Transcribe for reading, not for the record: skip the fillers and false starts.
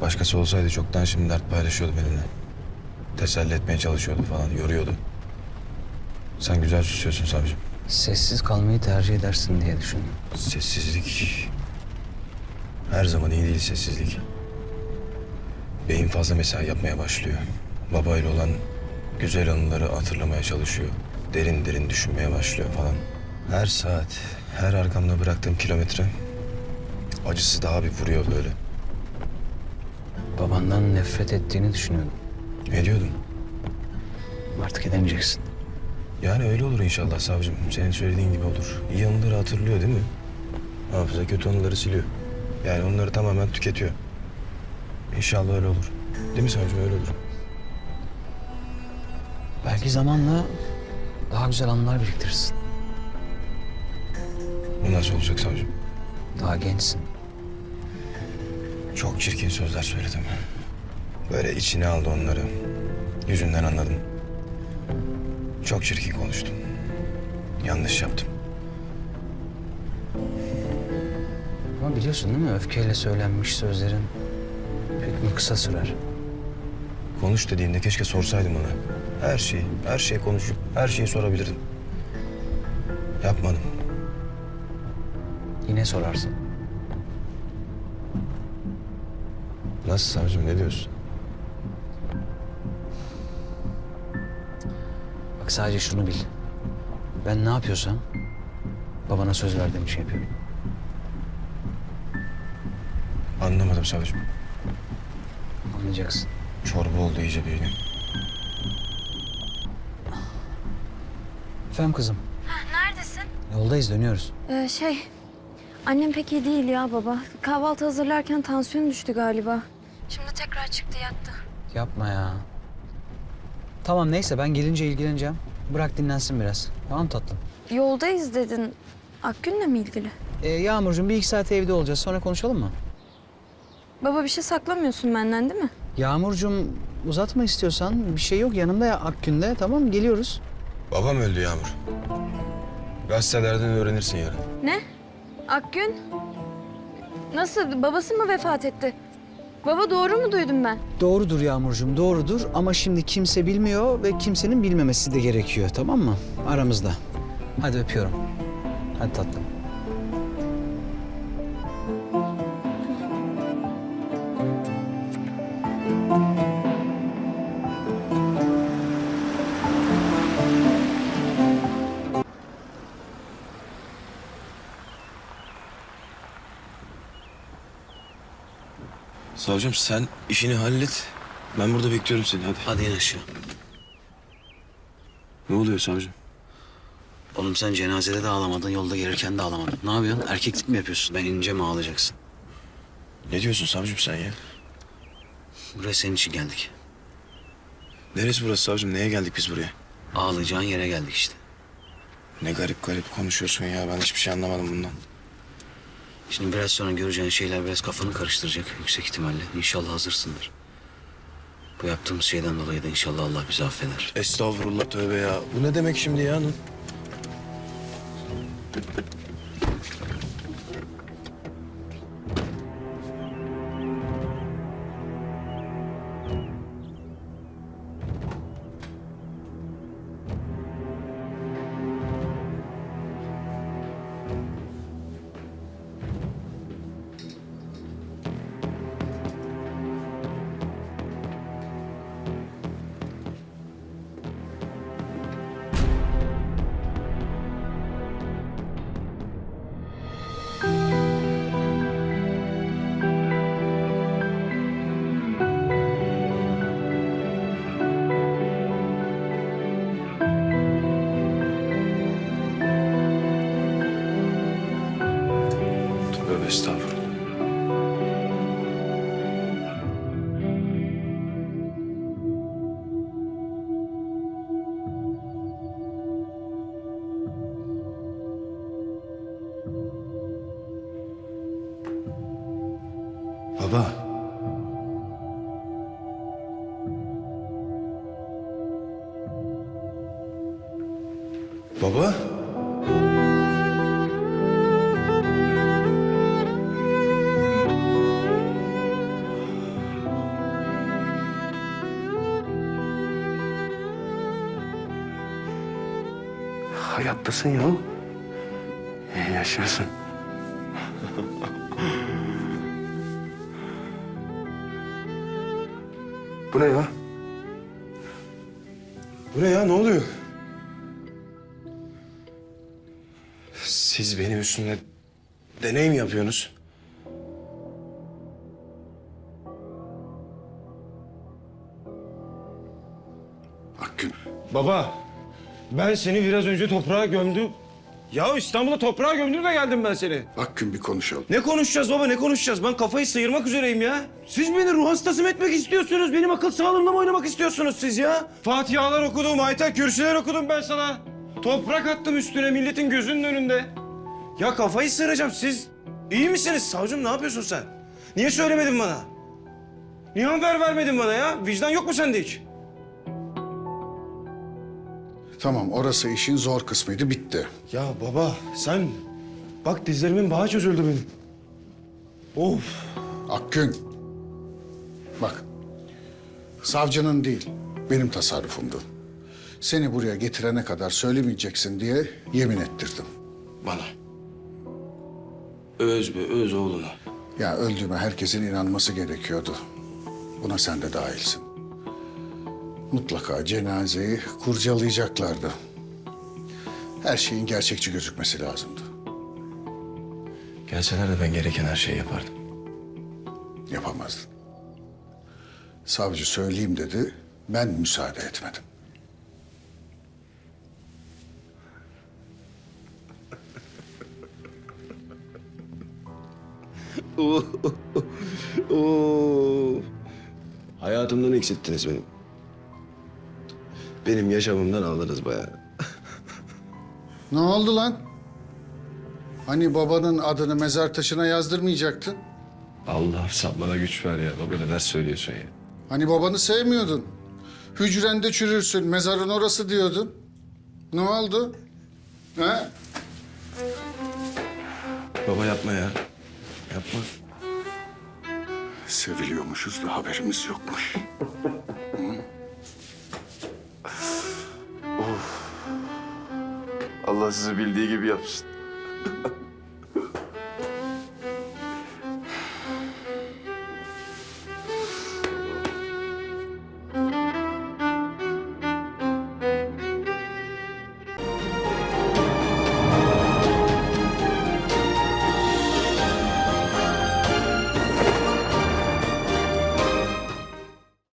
Başkası olsaydı çoktan şimdi dert paylaşıyordu benimle. Teselli etmeye çalışıyordu falan, yoruyordu. Sen güzel susuyorsun savcım. Sessiz kalmayı tercih edersin diye düşündüm. Sessizlik. Her zaman iyi değil sessizlik. Beyin fazla mesai yapmaya başlıyor. Babayla olan güzel anıları hatırlamaya çalışıyor. Derin derin düşünmeye başlıyor falan. Her saat, her arkamda bıraktığım kilometre acısı daha bir vuruyor böyle. Babandan nefret ettiğini düşünüyordum. Ediyordum. Artık edemeyeceksin. Yani öyle olur inşallah savcım. Senin söylediğin gibi olur. İyi anıları hatırlıyor değil mi? Hafıza kötü anıları siliyor. Yani onları tamamen tüketiyor. İnşallah öyle olur. Değil mi savcım, öyle olur. Belki zamanla daha güzel anılar biriktirirsin. Bu nasıl olacak savcım? Daha gençsin. Çok çirkin sözler söyledim. Böyle içine aldı onları. Yüzünden anladım. Çok çirkin konuştum. Yanlış yaptım. Ama biliyorsun değil mi? Öfkeyle söylenmiş sözlerin hükmü kısa sürer. Konuş dediğinde keşke sorsaydım ona. Her şeyi konuşup her şeyi sorabilirdim. Yapmadım. Yine sorarsın. Nasıl savcım, ne diyorsun? Bak sadece şunu bil. Ben ne yapıyorsam babana söz verdiğim için yapıyorum. Anlamadım savcım. Anlayacaksın. Çorba oldu iyice beynim. Efendim kızım. Neredesin? Yoldayız, dönüyoruz. Annem pek iyi değil ya baba. Kahvaltı hazırlarken tansiyonu düştü galiba. Şimdi tekrar çıktı yattı. Yapma ya. Tamam neyse ben gelince ilgileneceğim. Bırak dinlensin biraz. Tamam tatlım. Yoldayız dedin. Akgün'le mi ilgili? Yağmurcuğum bir iki saat evde olacağız. Sonra konuşalım mı? Baba bir şey saklamıyorsun benden değil mi? Yağmurcuğum uzatma istiyorsan. Bir şey yok yanımda ya Akgün'de. Tamam geliyoruz. Babam öldü Yağmur. Gazetelerden öğrenirsin yarın. Ne? Akgün? Nasıl? Babası mı vefat etti? Baba doğru mu duydum ben? Doğrudur Yağmurcuğum doğrudur. Ama şimdi kimse bilmiyor ve kimsenin bilmemesi de gerekiyor. Tamam mı? Aramızda. Hadi öpüyorum. Hadi tatlım. Savcım sen işini hallet. Ben burada bekliyorum seni, hadi. Hadi in aşağı. Ne oluyor savcım? Oğlum sen cenazede de ağlamadın, yolda gelirken de ağlamadın. Ne yapıyorsun? Erkeklik mi yapıyorsun? Ben inince mi ağlayacaksın? Ne diyorsun savcım sen ya? Buraya senin için geldik. Neresi burası savcım? Neye geldik biz buraya? Ağlayacağın yere geldik işte. Ne garip garip konuşuyorsun ya. Ben hiçbir şey anlamadım bundan. Şimdi biraz sonra göreceğin şeyler biraz kafanı karıştıracak yüksek ihtimalle. İnşallah hazırsındır. Bu yaptığımız şeyden dolayı da inşallah Allah bizi affeder. Estağfurullah, tövbe ya. Bu ne demek şimdi ya? Tövbe estağfurullah. Baba. Baba. Hayattasın ya. İyi yaşıyorsun. Bu ne ya? Bu ne ya? Ne oluyor? Siz benim üstümde deney mi yapıyorsunuz? Akgün, Baba, ben seni biraz önce toprağa gömdüm. Ya İstanbul'a toprağa gömdüm de geldim ben seni. Akgün bir konuşalım. Ne konuşacağız baba, ne konuşacağız? Ben kafayı sıyırmak üzereyim ya. Siz beni ruh hastası mı etmek istiyorsunuz? Benim akıl sağlığımla mı oynamak istiyorsunuz siz ya? Fatihalar okudum, ayet kürsüler okudum ben sana. Toprak attım üstüne milletin gözünün önünde. Ya kafayı sıyıracağım. Siz iyi misiniz? Savcım ne yapıyorsun sen? Niye söylemedin bana? Niye haber vermedin bana ya? Vicdan yok mu sende hiç? Tamam, orası işin zor kısmıydı, bitti. Ya baba sen... Bak dizlerimin bağı çözüldü benim. Of. Akgün, bak, savcının değil, benim tasarrufumdu. Seni buraya getirene kadar söylemeyeceksin diye yemin ettirdim. Bana. Öz be, öz oğluna. Ya öldüğüme herkesin inanması gerekiyordu. Buna sen de dahilsin. Mutlaka cenazeyi kurcalayacaklardı. Her şeyin gerçekçi gözükmesi lazımdı. Gelseler de ben gereken her şeyi yapardım. Yapamazdın. Savcı söyleyeyim dedi, ben müsaade etmedim. Hayatımdan eksilttiniz benim. Benim yaşamımdan aldınız bayağı. Ne oldu lan? Hani babanın adını mezar taşına yazdırmayacaktın? Allah'ım sen bana güç ver ya. Baba neler söylüyorsun ya. Hani babanı sevmiyordun? Hücrende çürürsün, mezarın orası diyordun. Ne oldu? Ha? Baba yapma ya. Yapma. Seviliyormuşuz da haberimiz yokmuş. Allah sizi bildiği gibi yapsın.